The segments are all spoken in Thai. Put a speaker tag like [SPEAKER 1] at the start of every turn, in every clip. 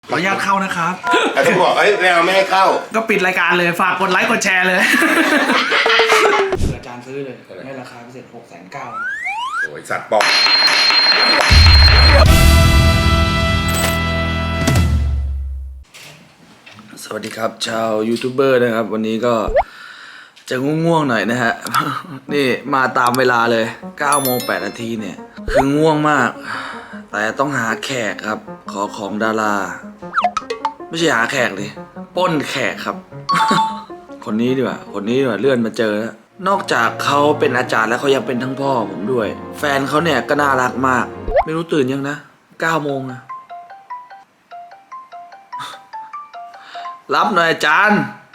[SPEAKER 1] ขออนุญาตเข้านะครับ
[SPEAKER 2] แต่ต้องบอกไม่ให้เข้า
[SPEAKER 1] ก็ปิดรายการเลยฝากกดไลค์กดแชร์เลยอาจารย์ซื้อเลยให้ราคาพิเศษ690,000
[SPEAKER 2] โอ้ยสัตว์ปอก
[SPEAKER 1] สวัสดีครับชาวยูทูบเบอร์นะครับวันนี้ก็จะง่วงๆหน่อยนะฮะ นี่มาตามเวลาเลย9:08 เนี่ยคือง่วงมากแต่ต้องหาแขกครับขอของดาราไม่ใช่หาแขกดิปล้นแขกครับ คนนี้ดีกว่าเลื่อนมาเจอแล้วนอกจากเขาเป็นอาจารย์แล้วเขายังเป็นทั้งพ่อผมด้วยแฟนเขาเนี่ยก็น่ารักมากไม่รู้ตื่นยังนะ9 โมงนะ รับหน่อยอาจารย์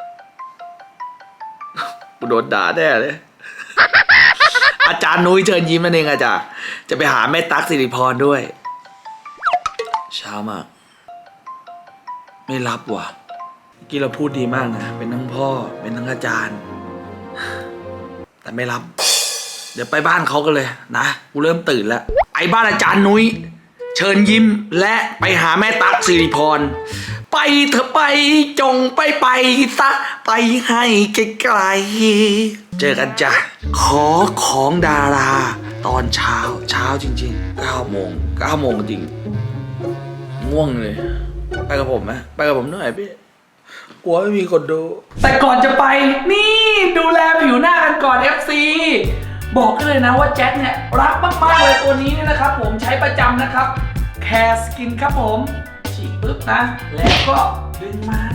[SPEAKER 1] กูโดนด่าแน่เลย อาจารย์นุ้ยเชิญยิ้มนั่นเองอาจารย์จะไปหาแม่ตั๊กสิริพรด้วยเช้ามากไม่รับว่ะเมื่อกี้เราพูดดีมากนะเป็นทั้งพ่อเป็นทั้งอาจารย์แต่ไม่รับเดี๋ยวไปบ้านเขากันเลยนะกูเริ่มตื่นแล้วไอ้บ้านอาจารย์นุ้ยเชิญยิ้มและไปหาแม่ตั๊กสิริพรไปเถอะไปจงไปซะไปให้ไกลๆเจอกันจ้ะขอของดาราตอนเช้าจริงๆ9 โมงจริงง่วงเลยไปกับผมไหมไปกับผมหน่อยพี่กลัวไม่มีคนดูแต่ก่อนจะไปนี่ดูแลผิวหน้ากันก่อน FC บอกเลยนะว่าแจ็คเนี่ยรักมากๆเลยตัวนี้เนี่ยนะครับผมใช้ประจำนะครับแคร์สกินครับผมฉีดปึ๊บนะแล้วก็ดึงมา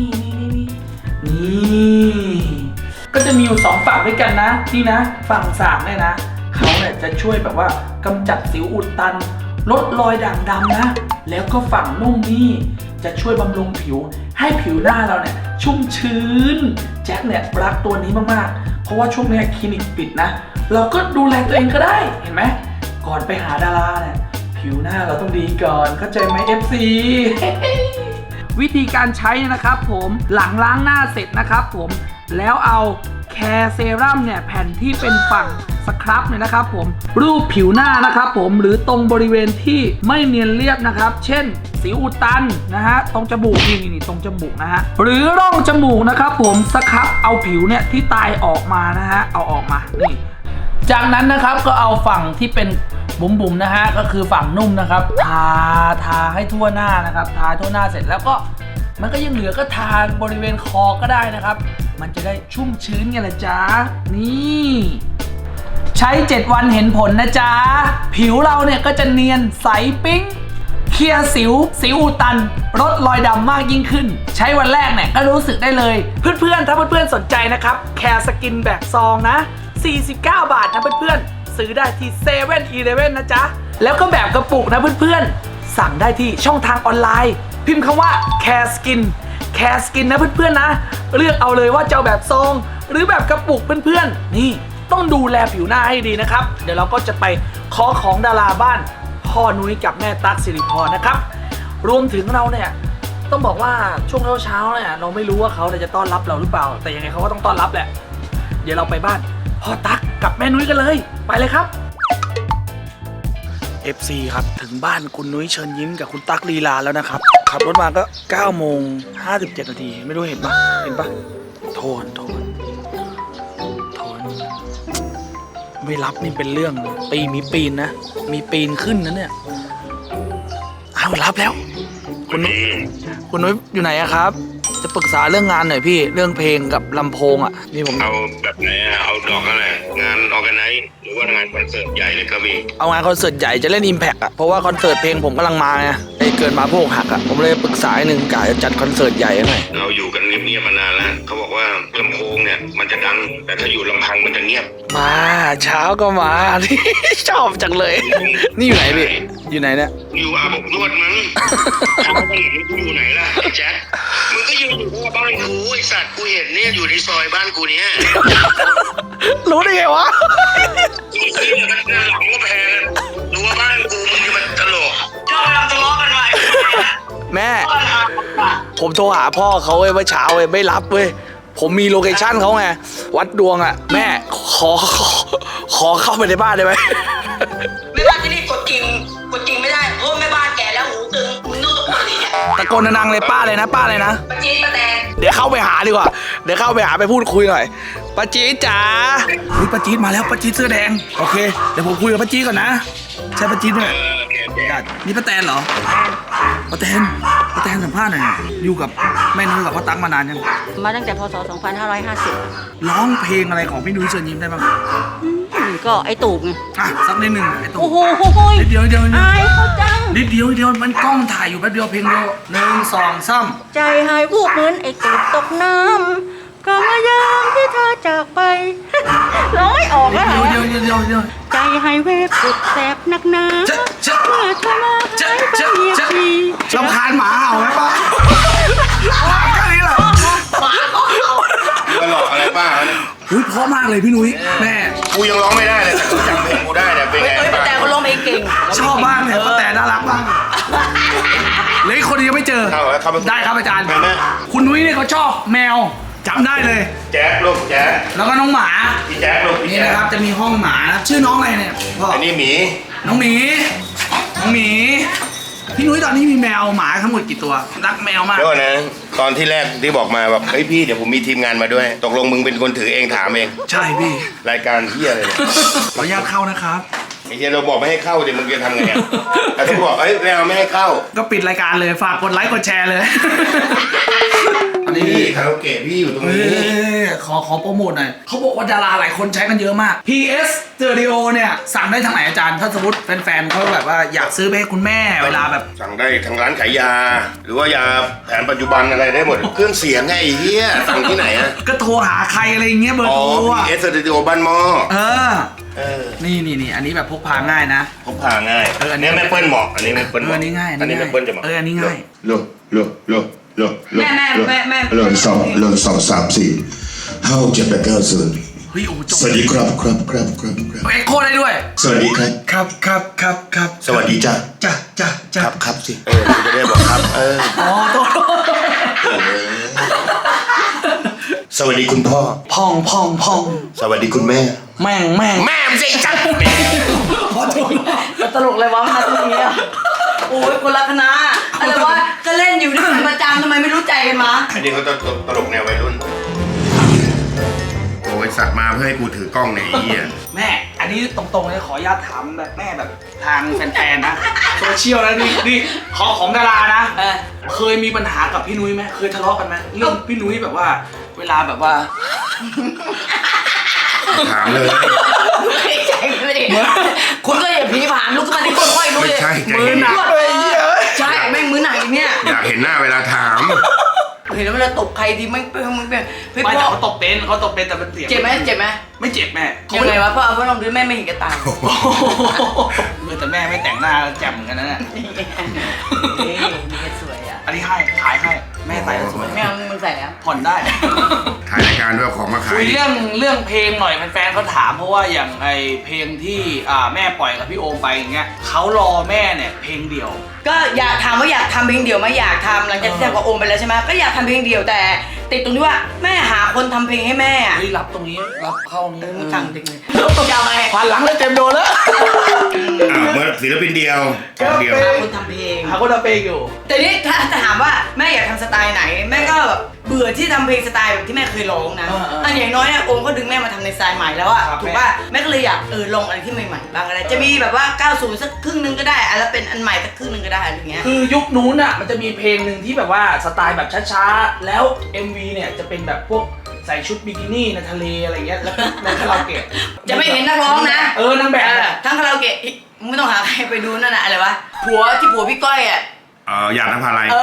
[SPEAKER 1] นี่ก็จะมีอยู่2ฝั่งด้วยกันนะนี่นะฝั่ง3เนี่ยนะเขาเนี่ยจะช่วยแบบว่ากำจัดสิวอุดตันลดรอยด่างดำนะแล้วก็ฝั่งนุ่มนี่จะช่วยบำรุงผิวให้ผิวหน้าเราเนี่ยชุ่มชื้นแจ็คเนี่ยรักตัวนี้มากๆเพราะว่าช่วงนี้คลินิกปิดนะเราก็ดูแลตัวเองก็ได้เห็นไหมก่อนไปหาดาราเนี่ยผิวหน้าเราต้องดีก่อนเข้าใจไหม FC วิธีการใช้นะครับผมหลังล้างหน้าเสร็จนะครับผมแล้วเอาแคร์เซรั่มเนี่ยแผ่นที่เป็นฝั่งสครับเนี่ยนะครับผมรูปผิวหน้านะครับผมหรือตรงบริเวณที่ไม่เนียนเรียบนะครับเช่นสิวอุดตันนะฮะตรงจมูกนี่ตรงจมูกนะฮะหรือร่องจมูกนะครับผมสครับเอาผิวเนี่ยที่ตายออกมานะฮะเอาออกมานี่จากนั้นนะครับก็เอาฝั่งที่เป็นบุ๋มๆนะฮะก็คือฝั่งนุ่มนะครับทาให้ทั่วหน้านะครับทาทั่วหน้าเสร็จแล้วก็มันก็ยังเหลือก็ทาบริเวณคอก็ได้นะครับมันจะได้ชุ่มชื้นไงล่ะจ๊ะนี่ใช้7 วันเห็นผลนะจ๊ะผิวเราเนี่ยก็จะเนียนใสปิ๊งเคลียร์สิวอุดตันลดรอยดำมากยิ่งขึ้นใช้วันแรกเนี่ยก็รู้สึกได้เลยเพื่อนๆถ้าเพื่อนๆสนใจนะครับแคร์สกินแบบซองนะ49 บาทนะเพื่อนๆซื้อได้ที่7-Eleven นะจ๊ะแล้วก็แบบกระปุกนะเพื่อนๆสั่งได้ที่ช่องทางออนไลน์พิมพ์คำว่าแคร์สกินนะเพื่อนๆนะเลือกเอาเลยว่าจะเอาแบบซองหรือแบบกระปุกเพื่อนๆนี่ต้องดูแลผิวหน้าให้ดีนะครับเดี๋ยวเราก็จะไปขอของดาราบ้านพ่อนุ้ยกับแม่ตั๊กสิริพรนะครับรวมถึงเราเนี่ยต้องบอกว่าช่วงเช้าเนี่ยเราไม่รู้ว่าเขาจะต้อนรับเราหรือเปล่าแต่ยังไงเขาก็ต้องต้อนรับแหละเดี๋ยวเราไปบ้านพ่อตั๊กกับแม่นุ้ยกันเลยไปเลยครับ FC ครับถึงบ้านคุณนุ้ยเชิญยิ้มกับคุณตั๊กลีลาแล้วนะครับขับรถมาก็9:57 ไม่รู้เห็นปะโทนไม่รับนี่เป็นเรื่องมีปีนนะมีปีนขึ้นนะเนี่ยเอารับแล้วคุณนุ้ยอยู่ไหนอะครับจะปรึกษาเรื่องงานหน่อยพี่เรื่องเพลงกับลำโพงอะนี่ผม
[SPEAKER 2] เอาแบบไหนเอาดอกอะไรงานออร์แกไนซ์หรือว่างานคอนเสิร์ตใหญ่เลยก็มี
[SPEAKER 1] เอางานคอนเสิร์ตใหญ่จะเล่น Impact อะเพราะว่าคอนเสิร์ตเพลงผมกำลังมาไงไอ้เกิดมาพวกหักอะผมเลยปรึกษาหนึ่งกะจะจัดคอนเสิร์ตใหญ่หน่อย
[SPEAKER 2] เราอยู่กันเงียบๆมานานแล้วเขาบอกว่าลำโพงเนี่ยมันจะดังแต่ถ้าอยู่ลำพังมันจะเงียบ
[SPEAKER 1] มาเช้าก็มา ชอบจังเลยนี่อยู่ไหนพี่อยู่ไหนเนี่ย
[SPEAKER 2] อยู่อาบอบนวดมั้งทางไปไหนกูอยู่ไหนล่ะแจ็คมึงก็ยืนอยู่หน้าบ้านกูไอสัตว์กูเห็นเนี่ยอยู่ในซอยบ้านกูเนี่ย
[SPEAKER 1] รู้ได้ไงวะ
[SPEAKER 2] นี่มันหลังก็แพงรู้ว่าบ้านกูมึงมันตลกเจ้าทะเลาะกันไหม
[SPEAKER 1] แม่ผมโทรหาพ่อเขาเมื่อเช้าไม่รับเว้ยผมมีโลเคชั่นเขาไงวัดดวงอ่ะแม่ขอเข้าไปในบ้านได้ไหม
[SPEAKER 3] แม่บ้านที่นี่กดจริงไม่ได้เพราะแม่บ้านแก่แล้วหูตึงมึงต้องตะโกนดิ
[SPEAKER 1] ตะโกนดังๆเลยป้าเลยนะป้าเลยนะ
[SPEAKER 3] ป้าจี๊ดป้าแตน
[SPEAKER 1] เดี๋ยวเข้าไปหาดีกว่าเดี๋ยวเข้าไปหาไปพูดคุยหน่อยป้าจี๊ดจ๋าเฮ้ยป้าจี๊ดมาแล้วป้าจี๊ดเสื้อแดงโอเคเดี๋ยวผมคุยกับป้าจี๊ดก่อนนะใช่ป้าจี๊ดไหมนี่ป้าแตนเหรอป้าแตนสัมภาษณ์หน่อยอยู่กับแม่นุ้ยกับพ่อตั๊กมานานยัง
[SPEAKER 3] มาตั้งแต่พศ 2550
[SPEAKER 1] ร้องเพลงอะไรของพี่นุ้ยเชิญยิ้มได้บ้าง
[SPEAKER 3] ก็ไอ้ตูบไง
[SPEAKER 1] อ่ะสักนิดหนึ่งไอ้ตุ๊
[SPEAKER 3] โอ้โห
[SPEAKER 1] นิดเดียว
[SPEAKER 3] อายเขาจัง
[SPEAKER 1] นิดเดียวมันกล้องถ่ายอยู่แป๊บเดียวเพลงเดียว1 2 3
[SPEAKER 3] ใจหายวูบเหมือนไอ้ตูบตกน้ำก็มายามที่เธอจากไป ร้องไม่ออกอะ
[SPEAKER 1] เดียว
[SPEAKER 3] ใจหายเวฟสุดแสบนักหนา
[SPEAKER 1] เจ๊ะ
[SPEAKER 3] เมื่อเธอมาหายไปเหยียบที
[SPEAKER 1] รำคาญหมาเห่าไหมป้าแค่นี้แหละ
[SPEAKER 2] มาหลอกอะไรป้าเนี่ย
[SPEAKER 1] อุ้ยเพราะมากเลยพี่นุ้ยแม่
[SPEAKER 2] กูยังร้องไม่ได้เลยแต่กูจำเพลงกูได้เนี่ยเป็นไง
[SPEAKER 3] ป้า
[SPEAKER 2] ป้า
[SPEAKER 3] แตนเขาร้องเพลงเก่ง
[SPEAKER 1] ชอบมากเลยป้าแต่น่ารักมากเลยคนนี้ยังไม่เจอ
[SPEAKER 2] เข้าแล้วเข้าไป
[SPEAKER 1] ได้ครับอาจารย์
[SPEAKER 2] แม่
[SPEAKER 1] คุณนุ้ยเนี่ยเขาชอบแมวจำได้เลย
[SPEAKER 2] แจ๊คลูกแจ๊ค
[SPEAKER 1] แล้วก็น้องหมา
[SPEAKER 2] พี่แจ๊คลูกพี่
[SPEAKER 1] นี่
[SPEAKER 2] แจ๊
[SPEAKER 1] นะครับ
[SPEAKER 2] ค
[SPEAKER 1] จะมีห้องหมานะชื่อน้องอะไรเนี่ยพ่อ
[SPEAKER 2] อันนี้หมี
[SPEAKER 1] น้องหมีพี่นุ้ยตอนนี้มีแมวหมาทั้งหมดกี่ตัวรักแมวมาก
[SPEAKER 2] เดี๋ยวก่อนนะตอนที่แรกที่บอกมาแบบเฮ้ยพี่เดี๋ยวผมมีทีมงานมาด้วย ตกลงมึงเป็นคนถือเองถามเอง
[SPEAKER 1] ใช่พี่
[SPEAKER 2] รายการเฮียอะไรเนี่ย
[SPEAKER 1] ขออนุญาตเข้านะครับ
[SPEAKER 2] ไอ้เฮียเราบอกไม่ให้เข้าเดี๋ยวมึงจะทำไงอ่ะแต่ถ้าบอกเอ้ยไม่ให้เข้า
[SPEAKER 1] ก็ปิดรายการเลยฝากกดไลค์กดแชร์เลย อันนี้
[SPEAKER 2] นี่คาราโอเกะพี่อยู่ตรง
[SPEAKER 1] เอ
[SPEAKER 2] นี้
[SPEAKER 1] ขอโปรโมทหน่อยเขาบอกว่าดาราหลายคนใช้กันเยอะมาก PS Stereo เนี่ยสั่งได้ทางไหนอาจารย์ถ้าสมมติแฟนๆเขาแบบว่าอยากซื้อไปให้คุณแม่เวลาแบบ
[SPEAKER 2] สั่งได้ทางร้านขายยา หรือว่ายาแผนปัจจุบันอะไรได้หมด เครื่องเสียงไงไอ้เฮียสั่งที่ไหนอ่ะ
[SPEAKER 1] ก็โทรหาใครอะไรอย่างเงี้ยเบอร์
[SPEAKER 2] อ๋อ
[SPEAKER 1] โทรอ่ะ
[SPEAKER 2] PS Studio บ้านหม้อ
[SPEAKER 1] เออ
[SPEAKER 2] เออ
[SPEAKER 1] นี่อันนี้แบบพกพาง่ายนะ
[SPEAKER 2] พกพาง่าย
[SPEAKER 1] เอออันนี้
[SPEAKER 2] เนี่ยแม่เปิ้ลเหมาะอันนี้แม่เปิ้ลเหมาะ
[SPEAKER 1] อันนี้ง่าย
[SPEAKER 2] อันนี้แม่เปิ้ลจะเหมาะ
[SPEAKER 1] อันนี้ง่าย
[SPEAKER 3] แม่
[SPEAKER 4] เริ่มสองสามสี่ห้าหกเจ็ดแปดเก้าศูนย์
[SPEAKER 1] เฮ้ยโอ้จบ
[SPEAKER 4] สวัสดีครับ
[SPEAKER 1] เอ็กโคได้ด้วย
[SPEAKER 4] สวัสดีครับ
[SPEAKER 1] ครับ
[SPEAKER 4] สวัสดีจ้า
[SPEAKER 1] จ้า
[SPEAKER 4] ครับสิ
[SPEAKER 2] กูจะได้บอกครับ
[SPEAKER 1] อ๋อโทษ
[SPEAKER 4] สวัสดีคุณพ่อ
[SPEAKER 1] พอง
[SPEAKER 4] สวัสดีคุณแม่
[SPEAKER 1] แม่ง
[SPEAKER 2] แม่มสิจัด
[SPEAKER 1] ขอโทษ
[SPEAKER 3] ตลกเลยวะมาตรงนี้โอ้ยคนละคณะอะไรวะก็เล่นอยู่ด้วยกันประจำทำไมไม่รู้ใจกันมา
[SPEAKER 2] อันนี้เขาตลกแนววัยรุ่นโอ้ยสัตว์มาเพื่อให้กูถือกล้องในยไอ้เหี้ย
[SPEAKER 1] แม่อันนี้ตรงๆเลยขออนุญาตถามแบบแม่แบบทางแฟนๆนะโซเชียลนะนี่ขอของดารานะ เคยมีปัญหากับพี่นุ้ยไหมเคยทะเลาะกันไหมเรื่องพี่นุ้ยแบบว่า เวลาแบบว่า
[SPEAKER 2] ถามเลย
[SPEAKER 3] ไม่ใช่ไม่ได้คุณก็อย่าผีผ่านลุกขึ้นมาที่ค่อยๆลุก
[SPEAKER 2] ไม่
[SPEAKER 3] เลย
[SPEAKER 2] ใช่ใจ
[SPEAKER 1] มือ
[SPEAKER 2] เย็น
[SPEAKER 1] หนักเลยเฮ้ย
[SPEAKER 3] ใช่แม่งมือหนักอีกเนี่ย
[SPEAKER 2] อยากเห็นหน้าเวลาถาม
[SPEAKER 3] เห็นแล้วเวลาตบใครทีมึงเป็นเฮ้ย
[SPEAKER 1] ไม่
[SPEAKER 3] พ่
[SPEAKER 1] แต่
[SPEAKER 3] อ
[SPEAKER 1] เขาตบเป็นแต่มันเสียง
[SPEAKER 3] เจ็บไหม
[SPEAKER 1] ไม่เจ็บแม่
[SPEAKER 3] ยังไงวะพ่อเอาพ่อลองดูแม่ไม่เห็นกระตาย
[SPEAKER 1] โอ้โหแต่แม่ไม่แต่งหน้าแจ่มเหมือนกันนะเนี่ย
[SPEAKER 3] นี่สวยอ่ะ
[SPEAKER 1] อันนี้ให้ขายให้แม่ใส่แล้วสวย
[SPEAKER 3] แม่เอามึงใส่แล้ว
[SPEAKER 1] ผ่อนได้
[SPEAKER 2] ถ่ายรายการด้วยเอาของมาขา
[SPEAKER 1] คุ
[SPEAKER 2] ย
[SPEAKER 1] ยเรื่องเพลงหน่อยแฟนๆเขาถามเพราะว่าอย่างไอเพลงที่แม่ปล่อยกับพี่โอมไปอย่างเงี้ยเขารอแม่เนี่ยเพลงเดียว
[SPEAKER 3] ก็อยากทำว่าอยากทำเพลงเดี่ยวไหมอยากทำหลังจากที่ทำกับโอมไปแล้วใช่ไหมก็อยากทำเพลงเดี่ยวแต่ติดตรงที่ว่าแม่หาคนทำเพลงให้แม่อ่ะ
[SPEAKER 1] เฮ้ยรับตรงนี้รับเข้านี้
[SPEAKER 3] มึงสั่งดึงเลยจะเอาไง
[SPEAKER 1] ผ่านหลังเลยเต็มโดนแล้ว
[SPEAKER 2] เมื่อศิลปินเดียวเดียว
[SPEAKER 3] หาคนทำเพลง
[SPEAKER 1] หาคนทำเพลงอยู่
[SPEAKER 3] แต่นี่ถ้าถามว่าแม่อยากทำสไตล์ไหนแม่ก็แบบเบื่อที่ทำเพลงสไตล์แบบที่แม่เคยร้องนะอันอย่างน้อยเนี่ยโอมก็ดึงแม่มาทำในสไตล์ใหม่แล้วอะถูกป่ะแม่ก็เลยอยากลองอะไรที่ใหม่ๆบ้างอะไรจะมีแบบว่า90สักครึ่งนึงก็ได้แล้วเป็นอันใหม่สักครึ่งนึงก็ได้อะไรเงี้ย
[SPEAKER 1] คือยุคนู้นอ่ะมันจะมีเพลงหนึ่งที่แบบว่าสไตล์แบบช้าๆแล้ว MV เนี่ยจะเป็นแบบพวกใส่ชุดบิกินี่ในทะเลอะไรเงี้ยแล้วก็ในคาราโอเกะ
[SPEAKER 3] จะไม่เห็นนักร้องนะ
[SPEAKER 1] นางแบบอะ
[SPEAKER 3] ทั้งคาราโอเกะมึงไม่ต้องหาใครไปดูนั่นน่ะอะไรวะผัวพี่ก้อยอ่ะ
[SPEAKER 2] อยากนภาลัย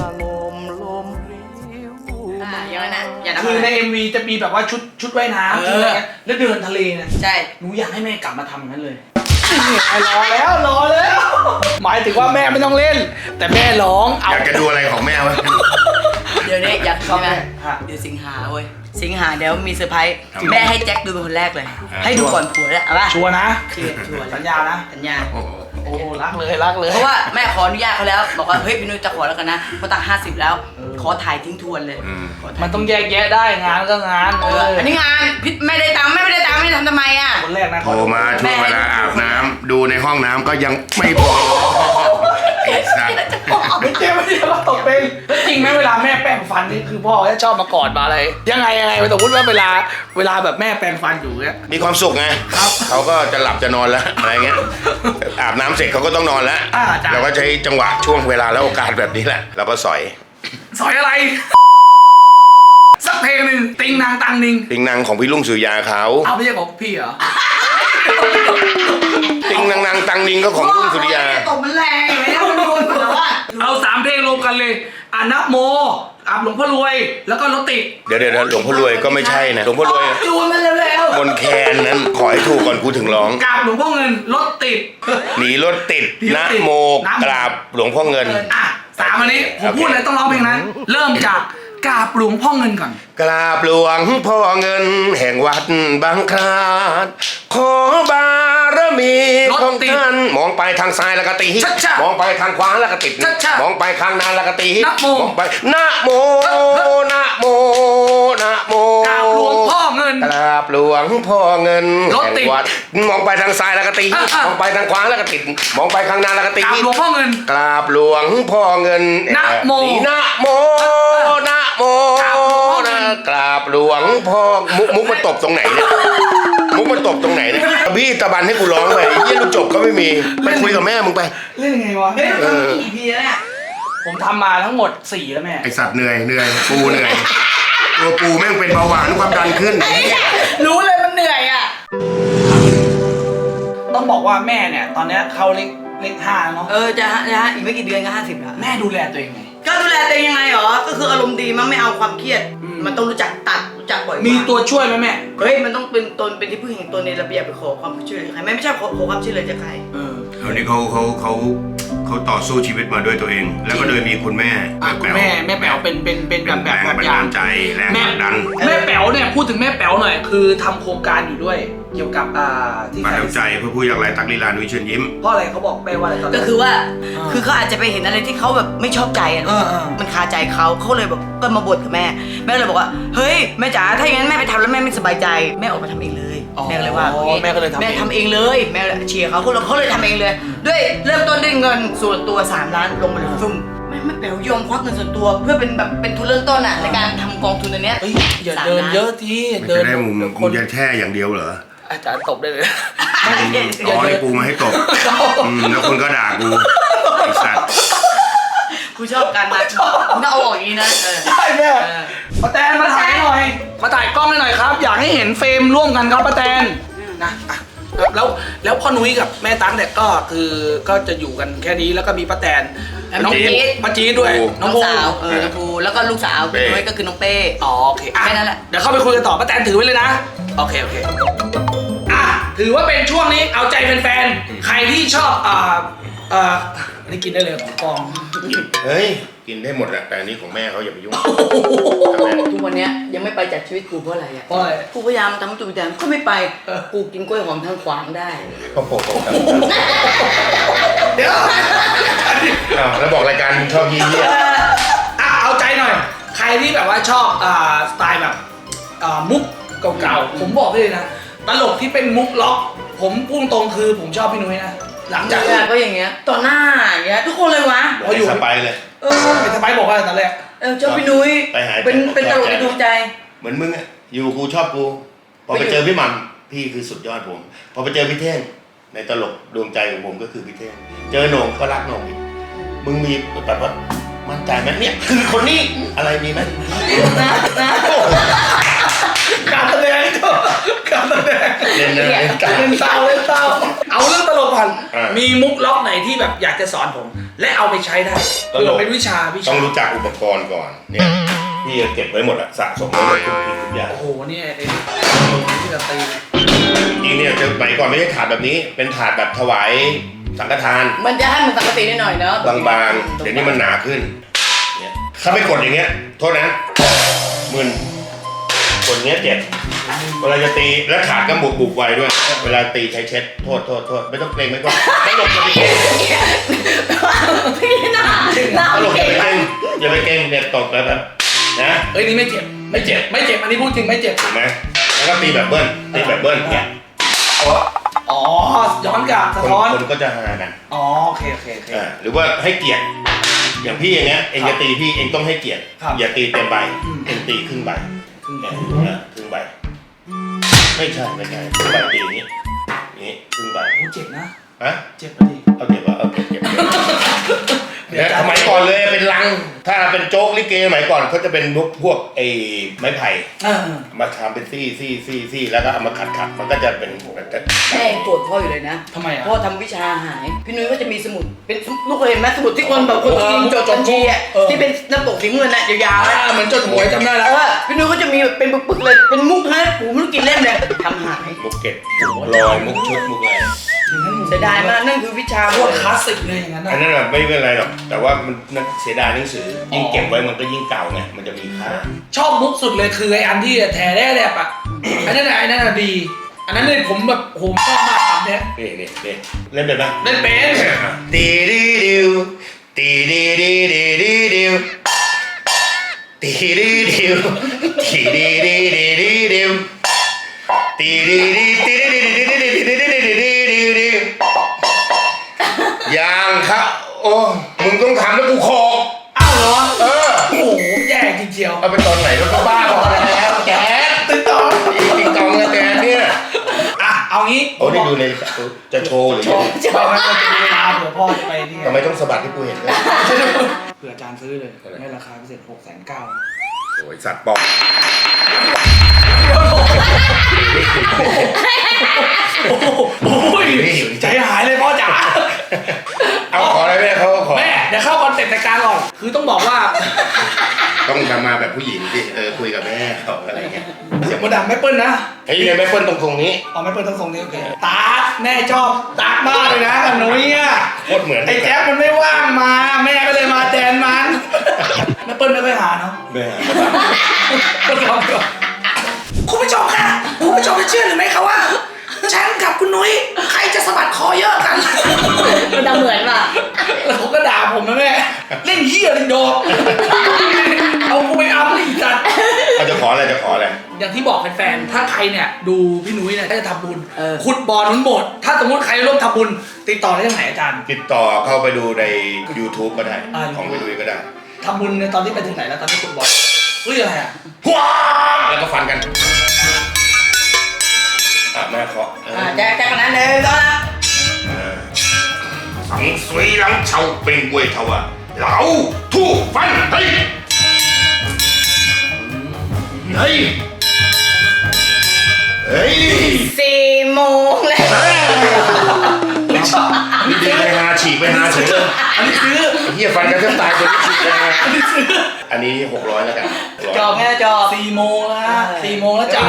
[SPEAKER 3] อย่างนั้นนะอย่านะ
[SPEAKER 1] คือใน MV จะมีแบบว่าชุดว่ายน้ำอะไรเงี้ยแล้วเดินทะเลเนี่ย
[SPEAKER 3] ใช่
[SPEAKER 1] หนูอยากให้แม่กลับมาทำอย่างนั้นเลยรอแล้วหมายถึงว่าแม่ไม่ต้องเล่น แต่แม่ร้องเอา
[SPEAKER 2] อยากจะดูอะไรของแม่วะ
[SPEAKER 3] เดี๋ยวนี้อยาก
[SPEAKER 1] ชอบ
[SPEAKER 3] ใช่ไหม
[SPEAKER 1] แม่ฮะ
[SPEAKER 3] เดี๋ยวสิงหาเว้ยสิงหาเดี๋ยวมีเซอร์ไพรส์
[SPEAKER 2] ครับ
[SPEAKER 3] แม่ให้แจ็คดูเป็นคนแรกเลย
[SPEAKER 2] อ่า
[SPEAKER 3] ให้ดูก่อนผัวแล้วเอาป่ะ
[SPEAKER 1] ชัวร์นะ
[SPEAKER 3] ชัวร์
[SPEAKER 1] สัญญานะ
[SPEAKER 3] สัญญา
[SPEAKER 2] โอ้โห
[SPEAKER 1] โอ้รักเลย
[SPEAKER 3] เพราะว่าแม่ขออนุญาตเขาแล้วบอกว่าเฮ้ยพี่นุ้ยจะขอแล้วกันนะเพราะตัง50แล้ว ขอถ่ายทิ้งทวนเลย ขถ่าย
[SPEAKER 1] มันต้องแยกแยะได้งานก็งาน
[SPEAKER 3] อันนี้งานพิษไม่ได้ตังค์ไม่ได้ตังค์ไม่ได้ทำทำไมอ่ะ
[SPEAKER 1] คนแรกนะ
[SPEAKER 2] โทรมาช่วงเวลาอาบน้ำดูในห้องน้ำก็ยังไม่พอไอ้
[SPEAKER 5] สัตว์
[SPEAKER 1] ไม่เจ็บไม่เจ็บว่าตกเป็นแล้วจริงไหมเวลาแม่แปรงฟันนี่คือพ่อจะชอบมากอดมาอะไรยังไงสมมติว่าเวลาแบบแม่แปรงฟันอยู่เงี้ย
[SPEAKER 5] มีความสุขไง
[SPEAKER 1] ครับ
[SPEAKER 5] เขาก็จะหลับจะนอนแล้วอะไรเงี้ยอาบน้ำเสร็จเขาก็ต้องนอนแล้ว
[SPEAKER 1] จ้ะ
[SPEAKER 5] เราก็ใช้จังหวะช่วงเวลาและโอกาสแบบนี้แหละเราก็สอย
[SPEAKER 1] สอยอะไร สักเพลงหนึ่งติงนางตังนิง
[SPEAKER 5] ติงนางของพี่ลุงสุริยาเขา
[SPEAKER 1] เอาไม่ใช่ของพี่เหรอ
[SPEAKER 5] ติงนางตังนิงก็ของลุงสุริยา
[SPEAKER 3] ตบมันแรงอยู่แล้วมันโดนหัวว่า
[SPEAKER 1] เอา3เพลงรวมกันเลยนะโมอาบหลวงพ่อรวยแล้วก็รถติด
[SPEAKER 5] เดี๋ยวหลวงพ่อรวยก็ไม่ใช่นะหลวงพ่อรวย
[SPEAKER 3] จูนมันเร็ว
[SPEAKER 5] มนแคนนั้นขอให้ถูกก่อนกูถึงร้อง
[SPEAKER 1] กราบหลวงพ่อเงินรถติด
[SPEAKER 5] หนีรถติด
[SPEAKER 1] หนีร
[SPEAKER 5] นะ
[SPEAKER 1] ถติด
[SPEAKER 5] โม
[SPEAKER 1] นะโม
[SPEAKER 5] กราบหลวงพ่อเงิน
[SPEAKER 1] อ่ะ3อันนี้ผมพูดเลยต้องร้องเพลงนั้น เริ่มจากกราบหลวงพ่อเงินก่อน
[SPEAKER 5] กราบหลวงพ่อเงินแห่งวัดบางคลานขอบารมีของท่านมองไปทางซ้ายแล้วก็ตี
[SPEAKER 1] ชัดๆ
[SPEAKER 5] มองไปทางขวาแล้วก็ติด
[SPEAKER 1] ชัดๆ
[SPEAKER 5] มองไปข้างหน้าแล้วก็ตี
[SPEAKER 1] นะโม
[SPEAKER 5] มองไปนะโมนะโมนะโม
[SPEAKER 1] กราบหลวงพ่อเงิน
[SPEAKER 5] กราบหลวงพ่อเงิน
[SPEAKER 1] รถติด
[SPEAKER 5] แห่งวัดมองไปทางซ้ายแล้วก็ตี
[SPEAKER 1] อ่ะ
[SPEAKER 5] มองไปทางขวาแล้วก็ติดมองไปข้างหน้าแล้วก็ตี
[SPEAKER 1] กราบหลวงพ่อเงิน
[SPEAKER 5] กราบหลวงพ่อเงิน
[SPEAKER 1] นะโม
[SPEAKER 5] นะโมนะโมนะกราบหลวงพ่อมุกมันตบตรงไหนเนี่ยมุกมันตบตรงไหนเนี่ยพี่ตะบันให้กูร้องไปยี่ลูกจบก็ไม่มีไปคุยกับแม่มึงไป
[SPEAKER 1] เล่นยังไงวะ
[SPEAKER 3] ๆเฮ้ยมันมีกี่ EP แล้วเนี่ย
[SPEAKER 1] ผมทำมาทั้งหมด4แล้วแม่
[SPEAKER 5] ไอสัตว์เหนื่อยปูเหนื่อยตัวปูแม่งเป็นเบาหวานความดันขึ้น
[SPEAKER 3] รู้เลยมันเหนื่อยอ่ะ
[SPEAKER 1] ต้องบอกว่าแม่เนี่ยตอนเนี้ยเข้าเลข5แล้วเนาะ
[SPEAKER 3] จะอีกไม่กี่เดือนก็50แล้ว
[SPEAKER 1] แม่ดูแลตัวเองไง
[SPEAKER 3] ก็ดูแลตัวเองยังไงหรอ ก็คืออารมณ์ดีมันไม่เอาความเครียด
[SPEAKER 1] อืม
[SPEAKER 3] มันต้องรู้จักตัดรู้จักปล่อยวาง
[SPEAKER 1] มีตัวช่วยไหมแม่
[SPEAKER 3] เฮ้ยมันต้องเป็นตนเป็นที่พึ่งแห่งตนในระเบียบไปขอความช่วยเหลือใครไม่ใช่ขอความช่วยเหลือจากใคร
[SPEAKER 5] คราวนี้เขาต่อสู้ชีวิตมาด้วยตัวเอง แล้วก็โดยมีคุณแม่
[SPEAKER 1] คุณแม่แป๋วเป็นแบบ
[SPEAKER 5] แรงบันดาลใจแรงผลักดัน
[SPEAKER 1] แม่แป๋วเนี่ยพูดถึงแม่แป๋วหน่อยคือทำโครงการอยู่ด้วย เกี่ยวกับที่
[SPEAKER 5] มา
[SPEAKER 1] ใคร
[SPEAKER 5] ทำใจเพื่อผู้ยากไร้ตักลีลานุ้ยเชิญยิ้ม
[SPEAKER 1] เพราะอะไรเขาบอกแม่ว่าอะไรตอน
[SPEAKER 3] ก็
[SPEAKER 1] นั้น
[SPEAKER 3] คือว่า
[SPEAKER 1] อ่า
[SPEAKER 3] คือเขาอาจจะไปเห็นอะไรที่เขาแบบไม่ชอบใจอะ
[SPEAKER 1] เออ
[SPEAKER 3] มันคาใจเขาเลยแบบก็มาบ่นกับแม่แม่เลยบอกว่าเฮ้ยแม่จ๋าถ้าอย่างนั้นแม่ไปทำแล้วแม่ไม่สบายใจแม่ออกมาทำเองเลยแม่ก็เลยว่าอย่างงี้
[SPEAKER 1] แม่ก็เลยทำ
[SPEAKER 3] แม่ทำเองเลยแม่เชียร์เขาเลยทำเองเลย ด้วยเริ่มต้นด้วยเงินส่วนตัว3 ล้านลงมาเลยฟึ่มแม่แป๋วยอมควักเงินส่วนตัว เพื่อเป็นทุนเริ่มต้นอ่ะในการทำกองทุนอันเนี้ย
[SPEAKER 1] เฮ้ยอย่าเดินเยอะที
[SPEAKER 5] มัน
[SPEAKER 1] เดิ
[SPEAKER 5] จะ
[SPEAKER 1] น
[SPEAKER 5] ได้มุม
[SPEAKER 1] ค
[SPEAKER 5] มึ
[SPEAKER 1] น
[SPEAKER 5] งจะแช่อย่างเดียวเหรอ
[SPEAKER 1] อาจารย์ตบได้เลย
[SPEAKER 5] อ๋อนี่กูมาให้ตบแล้วคนก็ด่ากูไอ้สัตว์
[SPEAKER 3] กูชอบการมามึงต้องเอาออกอย่างนี้นะ
[SPEAKER 1] ใช่แม่ป้าแตนมาถ่ายหน่อย มาถ่ายกล้องให้หน่อยครับ อยากให้เห็นเฟรมร่วมกันครับป้าแตนนะอ่ะแล้วพ่อนุ้ยกับแม่ตั๊กเนี่ยก็จะอยู่กันแค่นี้แล้วก็มีป้าแตนน้องป้าจี๊ดด้วย
[SPEAKER 3] น้อง
[SPEAKER 1] ภู
[SPEAKER 3] สาวน้องภูแล้วก็ลูกสาวพี่นุ้ยก็คือน้องเป้
[SPEAKER 1] อ๋อโอเคอ่ะ
[SPEAKER 3] แค่นั้นแหละ
[SPEAKER 1] เดี๋ยวเข้าไปคุยกันต่อป้าแตนถือไว้เลยนะโอเคอ่ะถือว่าเป็นช่วงนี้เอาใจแฟนๆใครที่ชอบอันนี้กินได้เลยของกอง
[SPEAKER 5] เฮ้ยกินได้หมดแหละแต่อันนี้ของแม่เขาอย่าไปยุ่ง
[SPEAKER 3] ทุกวันเนี้ยยังไม่ไปจากชีวิตกูเพราะอะไรอ่ะ
[SPEAKER 1] เพราะอะไร
[SPEAKER 3] กูพยายามทำให้ตัวเองก็ไม่ไปกูกินกล้วยหอมทางขวางได้
[SPEAKER 5] โอ้โห
[SPEAKER 1] เดี๋ยว
[SPEAKER 5] อ้าวแล้วบอกรายการชอบยี่เยี่ย
[SPEAKER 1] เอาใจหน่อย ใครที่แบบว่าชอบสไตล์แบบมุกเก่าๆผมบอกเลยนะตลกที่เป็นมุกล็อก ผมพุ่งตรงคือผมชอบพี่นุ้ยนะหลังจาก
[SPEAKER 3] ก็อย่างเงี้ยต่อหน้าอย่างเงี้ยทุกคนเลยวะ
[SPEAKER 5] พออยู่สไปเลย
[SPEAKER 1] เป็นสไปบอกว่าตอนแรก
[SPEAKER 3] ชอบพี่นุ้ย
[SPEAKER 5] ไปหา
[SPEAKER 3] เป็นตลกในดวงใจ
[SPEAKER 5] เหมือนมึงอะอยู่กูชอบกูพอไปเจอพี่หม่ำพี่คือสุดยอดผมพอไปเจอพี่เท่งในตลกดวงใจของผมก็คือพี่เท่งเจอโหน่งก็รักโหน่งอีกมึงมีแบบว่ามั่นใจไหมเนี่ยคือคนนี้อะไรมีไหม
[SPEAKER 1] การแสดงการแสดง
[SPEAKER 5] เล่นนะเล่นการ
[SPEAKER 1] เล่นเศร้าเอาเรื่องตลกก่อน
[SPEAKER 5] อ่ามี
[SPEAKER 1] มีมุกล็อกไหนที่แบบอยากจะสอนผม และเอาไปใช้ได้เผื่อเป็นวิชา
[SPEAKER 5] ต้องรู้จักอุปกรณ์ก่อนเนี่ยพี่เก็บไว้หมดอะสะสมไว้หมดทุกอย่าง
[SPEAKER 1] โอ้โหเนี่ยไอ้ที่แบบตี
[SPEAKER 5] จริงเนี่ยจะไปก่อนไม่ใช่ถาดแบบนี้ เป็นถาดแบบถวายสังฆทาน
[SPEAKER 3] มันจะให้มันปกตินิดหน่อยเนาะ
[SPEAKER 5] บางๆเดี๋ยวนี้มันหนาขึ้นเนี่ยถ้าไปกดอย่างเงี้ยโทษนะมึนกดอย่างเงี้ยเจ็บเวลาจะตีแล้วถาดก็บุบไวด้วย เวลาตีใช้เช็ดโทษไม่ต้องเกรงไม่ต้องตลกอย่าไปเกรง
[SPEAKER 3] พี่หน้า
[SPEAKER 5] ตลกอย่าไปเกรงเนี่ยตกแบบนะ
[SPEAKER 1] เอ้ยนี่ไม่เจ็บ อันนี้พูดจริงไม่เจ็บ
[SPEAKER 5] ถูกไหมแล้วก็ตีแบบเบิ้ลเนี่ย
[SPEAKER 1] อ๋อย้อนกลับสะท้อน
[SPEAKER 5] คนก็จะหากัน
[SPEAKER 1] อ๋อโอเค
[SPEAKER 5] หรือว่าให้เกียรติอย่างพี่อย่างเงี้ยเองจะตีพี่เองต้องให้เกียรติ
[SPEAKER 1] ครับ
[SPEAKER 5] อย่าตีเต็มใบ
[SPEAKER 1] อืม
[SPEAKER 5] เองตีครึ่งใบ
[SPEAKER 1] ครึ่งใบ
[SPEAKER 5] ครึ่งใบไม่ใช่ครึ่งใบตีอย่างนี้ครึ่งใบ
[SPEAKER 1] โอ้เจ็บนะ
[SPEAKER 5] ฮะ
[SPEAKER 1] เจ็บพอดี
[SPEAKER 5] เอาเก็บวะเอาเก็บเนี่ยสมัยก่อนเลยเป็นลังถ้าเป็นโจ๊กลิเกสมัยก่อนเขาจะเป็นพวกไอ้ไม้ไผ่ มาทำเป็นซี่แล้วก็เอามาขัดมันก็จะเป็น
[SPEAKER 3] แม่ยังโกรธพ่ออยู่เลยนะ
[SPEAKER 1] ทำไมอ่ะ
[SPEAKER 3] พ่อทำวิชาหาย พี่นุ้ยก็จะมีสมุดเป็นลูกเคยเห็นไหมสมุดที่คนแบบคนจีนจดบัญชีอ่ะที่เป็นน้ำตกสีเงินน่ะยาวๆอ่ะ
[SPEAKER 1] เหมือนจดหวยจำได้แล้ว
[SPEAKER 3] พี่นุ้ยก็จะมีเป็นปึกๆเลยเป็นมุกฮะปูไม่รู้กี่เล่มเลยทำหาย
[SPEAKER 5] มุกเก็บลอยมุกชุดมุกอะไร
[SPEAKER 3] เสียดายมากนั่นคือวิชา
[SPEAKER 1] โคตรคลาสสิกเลยอย่างนั้น
[SPEAKER 5] อัน
[SPEAKER 1] นะ
[SPEAKER 5] นั้นน่ะไม่เป็นไรหรอกแต่ว่ามันเสียดายหนังสือยิ่งเก็บไว้มันก็ยิ่งเก่าไงมันจะมีค่า
[SPEAKER 1] ชอบมุกสุดเลยคือไอ้อันที่แถแร่ๆอ่ะอันนั้นน่ะดี อันนั้นเลยผมแบบผมชอบมากครับเนี่ย
[SPEAKER 5] นี่เล่นเป็นไหม
[SPEAKER 1] เล่นเป็น
[SPEAKER 5] ตีดีดิวตีดีดีดีดีดิวตีดีดิวตีดีดีดีดีดิวตีดีดีตีดีดีดีดีดีดีดีดีดีดียังครับโอ้มึงต้องทำแล้วกูโคก
[SPEAKER 1] อ้าวเหรอ
[SPEAKER 5] เออ
[SPEAKER 1] โอ้โหแย่จริงเชียว
[SPEAKER 5] เอาไปตอนไหนแล้วก็บ้าพอแล้วแจ๊ด
[SPEAKER 1] ตื่นต่อ
[SPEAKER 5] ติ๊กตองแจ๊ดเนี่ย
[SPEAKER 1] อ่ะเอางี้
[SPEAKER 5] โอ้นี่ดูในจะโชว์หรือ
[SPEAKER 1] โชว์ไม่จะมีเวลาเผื่อพ่อจะไปนี่ไง
[SPEAKER 5] ทำไมต้องสะบัดที่กูเห็นด้วย
[SPEAKER 1] เผื่ออาจารย์ซื้อเลยในราคาพิเศษ690,000
[SPEAKER 5] โอ้ยสัตว์ปอก
[SPEAKER 1] โอ้ยใจหายเลยพ่อจ๋า
[SPEAKER 5] เอาขออะไรแม่เขาขอ
[SPEAKER 1] แม่เดี๋ยวเข้าคอนเซ็ปต์รายการก่อนคือต้องบอกว่า
[SPEAKER 5] ต้องทำมาแบบผู้หญิงที่คุยกับแม่เขาอะไรเงี้ย
[SPEAKER 1] เสียงมดดำไม่เปิ้ลนะ
[SPEAKER 5] ไอ้เนี่ยไม่เปิ้ลตรงนี้
[SPEAKER 1] เอาไม่เปิ้ลต้องทรงนี้โอเคตาแม่ชอบตามากเลยนะกับหนุ้ยอ่ะ
[SPEAKER 5] โคตรเหมือน
[SPEAKER 1] ไอ้แจ๊บมันไม่ว่างมา แม่ก็เลยมาแทนมันแม่เปิ้ลไม่ค่อยหาเนาะ
[SPEAKER 5] แม่
[SPEAKER 1] คุณผู้ชมค่ะคุณผู้ชมจะเชื่อหรือไม่คะว่าฉันกับคุณนุ้ยใครจะสะบัดคอเยอะกัน
[SPEAKER 3] มันจะเหมือนป่ะ
[SPEAKER 1] แล้วผมก็ด่าผมนะแม่เล่นเหี้ยเลยโดดเอากูไปอัพเลยอีกจัด
[SPEAKER 5] เขาจะขออะไร
[SPEAKER 1] อย่างที่บอกแฟนๆ ถ้าใครเนี่ยดูพี่นุ้ยเนี่ยถ้าจะทำบุญขุดบ่อหนุนโบสถ์ถ้าสมมติใครร่วมทำบุญติดต่อได้ที่ไหนอาจารย์
[SPEAKER 5] ติดต่อเข้าไปดูใน YouTube ก็ได้ ของไปดูก็ได้
[SPEAKER 1] ทำบุญในตอนที่ไปถึงไหนแล้วตอนที่ขุดบ่อเฮ้ยอะไรอ่ะ
[SPEAKER 5] ว้าแล้วก็ฟันกันแม่เคาะ
[SPEAKER 3] แจ๊กนั้นเลยก็
[SPEAKER 5] สังสวยหลังเฉาเป็นกวยเทาอะเหลาทู่ฟันเฮ้ยเฮ้ย
[SPEAKER 3] 4 โมงแล้ว
[SPEAKER 1] ไม่ชอบ
[SPEAKER 5] นี่ดึงไปหาฉีกไปหาเฉยเลย
[SPEAKER 1] อันนี้ซื้อ
[SPEAKER 5] เฮียฟันกันแทบตายคนที่ฉีกไปหา
[SPEAKER 1] อันนี้ซื้อ
[SPEAKER 5] อันนี้600แล้วกัน
[SPEAKER 3] จอบไงจอบ
[SPEAKER 1] 4 โมงแล้ว4 โมงแล้วจ้า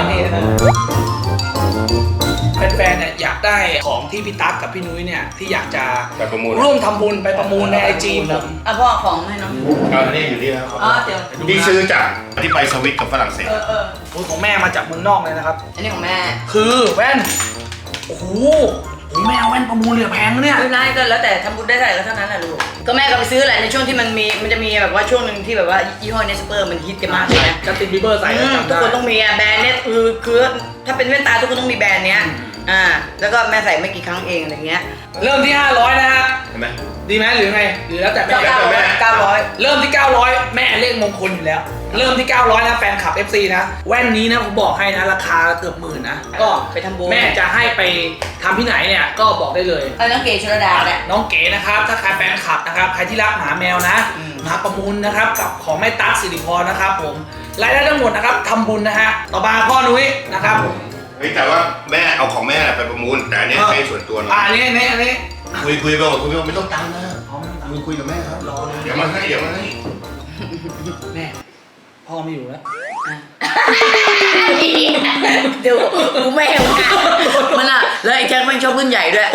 [SPEAKER 1] แฟนๆเนี่ยอยากได้ของที่พี่ตั๊กกับพี่นุ้ยเนี่ยที่อยากจะ
[SPEAKER 5] ไปประมูล
[SPEAKER 1] ร่วมทำบุญไปประมูลในไอจีผม
[SPEAKER 3] พ่อของให้น้อง
[SPEAKER 5] อันนี้อยู่ที่แล้ว
[SPEAKER 3] เดี๋ยว
[SPEAKER 5] นี่ซื้อจากที่ไปสวิตกับฝรั่งเศส
[SPEAKER 1] โอ้ยของแม่มาจากเมืองนอกเลยนะครับ
[SPEAKER 3] อันนี้ของแม่
[SPEAKER 1] คือแว่นโอ้โหแม่เอาแว่นประมูลเหลือแพงนะเนี่ย
[SPEAKER 3] ไม่ได้ก็แล้วแต่ทำบุญได้เท่าไหร่ก็เท่านั้นแหละลูกก็แม่ก็ไปซื้อแหละในช่วงที่มันจะมีแบบว่าช่วงหนึ่งที่แบบว่ายี่ห้อเนสเปอร์มันฮิตกันมากเลยนะ
[SPEAKER 1] จัสตินบีเบอร์ใส่แล้วจำ
[SPEAKER 3] ทุก
[SPEAKER 1] ได้
[SPEAKER 3] คนต้องมีอะแบรนด์เนี้ยคือถ้าเป็นแว่นตาทุกคนต้องมีแบรนด์เนี้ยแล้วก็แม่ใส่ไม่กี่ครั้งเองอะไรเงี้ย
[SPEAKER 1] เริ่มที่500นะฮะ
[SPEAKER 5] เห็นไหม
[SPEAKER 1] ดีไหมหรือไงหรือแล้วแต่แม่
[SPEAKER 3] 900
[SPEAKER 1] เริ่มที่ 900 แม่เลขมงคลอยู่แล้ว เริ่มที่ 900 นะแฟนคลับ FC นะแว่นนี้นะผมบอกให้นะราคาเกือบ10,000นะก็
[SPEAKER 3] ไปทำบุญ
[SPEAKER 1] แม่จะให้ไปทำที่ไหนเนี่ยก็บอกได้เลย
[SPEAKER 3] น้องเก๋ชลดาแหละ
[SPEAKER 1] น้องเก๋นะครับถ้าใครแฟนคลับนะครับใครที่รักหมาแมวนะมาประมูลนะครับกับของแม่ตั๊กสิริพรนะครับผมรายได้ทั้งหมดนะครับทำบุญนะฮะต่อมาพ่อนุ้ยนะครับ
[SPEAKER 5] เฮ้ยแต่ว่าแม่เอาของแม่ไปประมูลแต่อันนี้ให้ส่วนตัวหน่อย
[SPEAKER 1] อันนี้
[SPEAKER 5] คุยไปบอกคุยไม่ต้องตังค์นะคุยกับแม่ครับ
[SPEAKER 1] รอเลย
[SPEAKER 5] เดี๋ยวมาให้
[SPEAKER 1] แม่พ่อไม่อยู่แล้ว
[SPEAKER 3] ดูกูแม่มันอ่ะแล้วไอ้แจ็คแม่งชอบรุ่นใหญ่ด้วย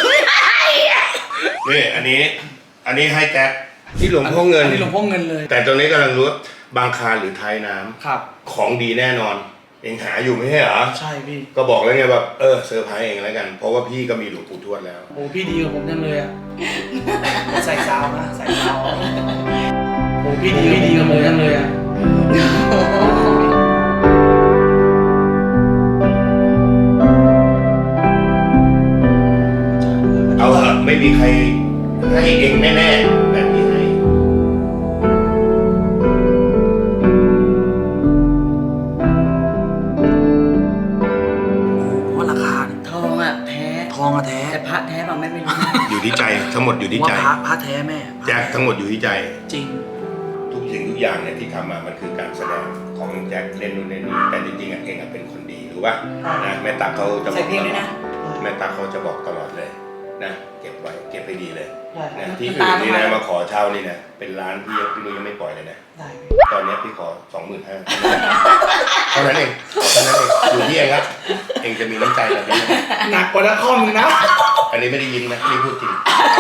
[SPEAKER 5] นี่อันนี้ให้แจ็คที่หลวงพ่อเงิน
[SPEAKER 1] อันนี้หลวงพ่อเงินเลย
[SPEAKER 5] แต่ตรงนี้กำลังรู้ว่าบางคารหรือไทยน้ำ
[SPEAKER 1] ครับ
[SPEAKER 5] ของดีแน่นอนเองหาอยู่ไม่ใช่เหรอ
[SPEAKER 1] ใช่พี่
[SPEAKER 5] ก็บอกแล้วไงแบบเซอร์ไพรส์เองแล้วกันเพราะว่าพี่ก็มีหลวงปู่ทวดแล้ว
[SPEAKER 1] โอ้พี่ดีกับผมจังเลยอะใส่ซาวนะใส่ซาวโอ้พี่ดีกับผมจังเลยอะ
[SPEAKER 5] ทั้งหมดอยู่ที่ใจ
[SPEAKER 1] ว่าพระแท้แม่
[SPEAKER 5] แจ็คทั้งหมดอยู่ที่ใจ
[SPEAKER 1] จริง
[SPEAKER 5] ทุกสิ่งทุกอย่างเนี่ยที่ทำมามันคือการแสดงของแจ็คเล่นนู่นเล่นนี่แต่จริงๆเองเป็นคนดีรู้ป่ะนะแม่ตักเขาจะบ
[SPEAKER 3] ใส่
[SPEAKER 5] อก
[SPEAKER 3] เพลงด้วยนะ
[SPEAKER 5] แม่ตักเขาจะบอกตลอดเลยนะเก็บไว้เก็บให้ดีเลย
[SPEAKER 3] ใช่
[SPEAKER 5] นะที่อื่นนี่นะมาขอเช่านี่นะเป็นร้านพี่นุ้ยยังไม่ปล่อยเลยนะ
[SPEAKER 3] ได้
[SPEAKER 5] ตอนนี้พี่ขอ 25,000เท่านั้นเองอยู่ที่เองครับเองจะมีน้ำใจแบบนี้
[SPEAKER 1] หนักกว่านักคอมนึงนะ
[SPEAKER 5] อันนี้ไม่ได้ยิ้มนะนี่พูดจริง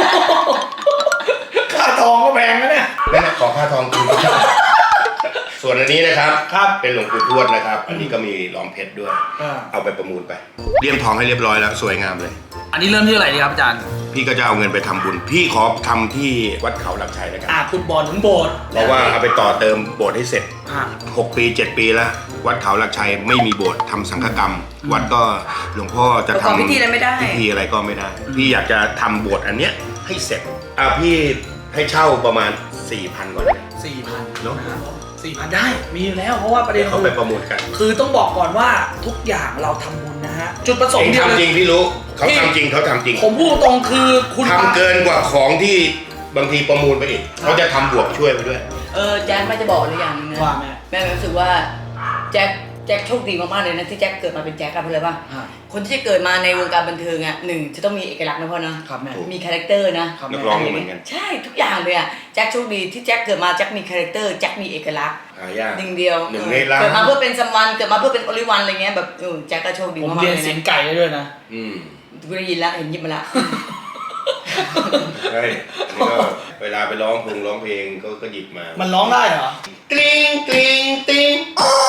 [SPEAKER 1] ค่าทองก็แพงนะเนี่ย
[SPEAKER 5] นั่นนะขอค่าทองคืนส่วนอันนี้นะครับ
[SPEAKER 1] ครับ
[SPEAKER 5] เป็นหลวงปู่ทวดนะครับ อันนี้ก็มีล้อมเพชรด้วย เอาไปประมูลไปเลี่ยมทองให้เรียบร้อยแล้วสวยงามเลย
[SPEAKER 1] อันนี้เริ่มที่อะไรดีครับอาจารย์
[SPEAKER 5] พี่ก็จะเอาเงินไปทำบุญพี่ขอทำที่วัดเขาหลักชัยนะครับ
[SPEAKER 1] ขุดบ่อถึงโบสถ์
[SPEAKER 5] เพราะว่าเอาไปต่อเติมโบสถ์ให้เสร็จ
[SPEAKER 1] อ่า
[SPEAKER 5] 6 ปี 7 ปีแล้ววัดเขาหลักชัยไม่มีโบสถ์ทำสังฆกรรม วัดก็หลวงพ่อจะ
[SPEAKER 3] ประกอบ
[SPEAKER 5] ทำ
[SPEAKER 3] พิธีอะไรไม่ได้
[SPEAKER 5] พิธีอะไรก็ไม่ได้ พี่อยากจะทำโบสถ์อันเนี้ยให้เสร็จพี่ให้เช่าประมาณ 4,000 ก่อนเลย
[SPEAKER 1] 4,000
[SPEAKER 5] เนอะ
[SPEAKER 1] 4,000 ได้มีอยู่แล้วเพราะว่าประเด็น
[SPEAKER 5] เขาไปประมูลกัน
[SPEAKER 1] คือต้องบอกก่อนว่าทุกอย่างเราทำบุญนะฮะจุดประสง
[SPEAKER 5] เอง
[SPEAKER 1] ค์เดียวเล
[SPEAKER 5] ทำจริ
[SPEAKER 1] ย
[SPEAKER 5] งพี่รู้เขาทำจริงเขาทำจริง
[SPEAKER 1] ผมพูดตรงคือคุณ
[SPEAKER 5] ทำเกินกว่าของที่บางทีประมูลไปอีกเขาจะทำบวกช่วยไปด้วย
[SPEAKER 3] แจ็คไม่จะบอกอะไรอย่างนึงนะ
[SPEAKER 1] ว่าแม่
[SPEAKER 3] แม่รู้สึกว่าแจ็คโชคดีมากๆเลยนะที่แจ็คเกิดมาเป็นแจ็คกันเพราะอะไรป่ะ
[SPEAKER 1] อ่า
[SPEAKER 3] คนที่จะเกิดมาในวงการบันเทิงอ่ะหนึ่งจะต้องมีเอกลักษณ์นะพ่อนะครับ
[SPEAKER 1] แม่
[SPEAKER 3] มีคาแรคเตอร์นะ
[SPEAKER 1] ครับ
[SPEAKER 5] นักร้องก็เหมือนกัน
[SPEAKER 3] ใช่ทุกอย่างเลยอ่ะแจ็คโชคดีที่แจ็คเกิดมาแจ็คมีคาแรคเตอร์แจ็คมีเอกลักษณ์
[SPEAKER 5] หายาก
[SPEAKER 3] หนึ่งเดียว
[SPEAKER 5] หนึ่งในล้าน
[SPEAKER 3] เกิดมาเพื่อเป็นซัมวันเกิดมาเพื่อเป็นโอลิวันอะไรเงี้ยแบบแจ็คก็โชคดี
[SPEAKER 1] ผม
[SPEAKER 3] มากๆ
[SPEAKER 1] เรียน
[SPEAKER 3] เลย
[SPEAKER 1] เสียง
[SPEAKER 3] นะ
[SPEAKER 1] ไก่ได้ด้วยนะ
[SPEAKER 3] กูได้ยินแล้วเห็นยิบมาละ
[SPEAKER 5] ใช่อันนี้ก็เวลาไปร้องเพลงก็หยิบมา
[SPEAKER 1] มันร้องได้เหรอ
[SPEAKER 5] กริ๊งกริ๊งติ้ง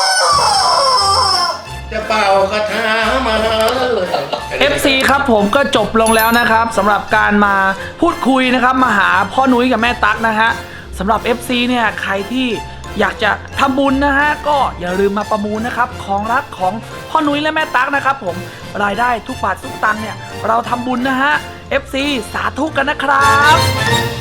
[SPEAKER 5] จะเป่าคาถามาเลย
[SPEAKER 1] FC ครับผมก็จบลงแล้วนะครับสำหรับการมาพูดคุยนะครับมาหาพ่อนุ้ยกับแม่ตั๊กนะฮะสำหรับ FC เนี่ยใครที่อยากจะทำบุญนะฮะก็อย่าลืมมาประมูลนะครับของรักของพ่อนุ้ยและแม่ตั๊กนะครับผมรายได้ทุกบาททุกตังค์เนี่ยเราทำบุญนะฮะ FC สาธุกันนะครับ